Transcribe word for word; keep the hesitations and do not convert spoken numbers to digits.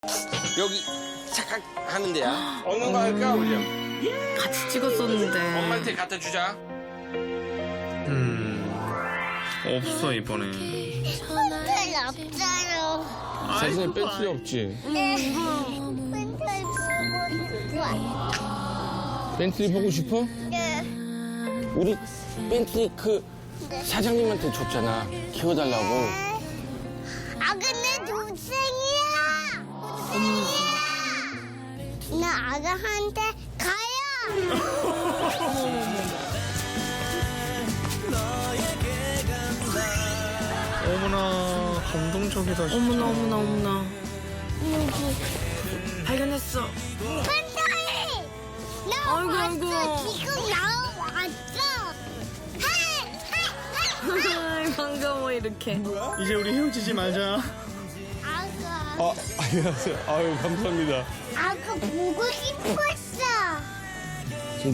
여기 착각 하는 데야. 어느 거 할까, 우리? 같이 찍었었는데. 엄마한테 갖다 주자. 음 없어 이번에. 펜슬 없어요. 사진에 펜슬이 없지. 네. 펜슬 보고 싶어. 벤틀리 보고 싶어? 네. 우리 벤틀리 그 사장님한테 줬잖아. 키워달라고. 아 근데 동생이야. 동생이야. 나 아가한테 가요. 어머나 감동적이다 진짜. 어머나 어머나 어머나. 발견했어. 펜슬이. 나 아이고, 왔어. 아이고. 지금 나왔어. 헤이 헤이 헤이. 반가워 이렇게. 이제 우리 헤어지지 말자. 아가. 아, 안녕하세요. 아유, 감사합니다. 아가 보고 싶었어.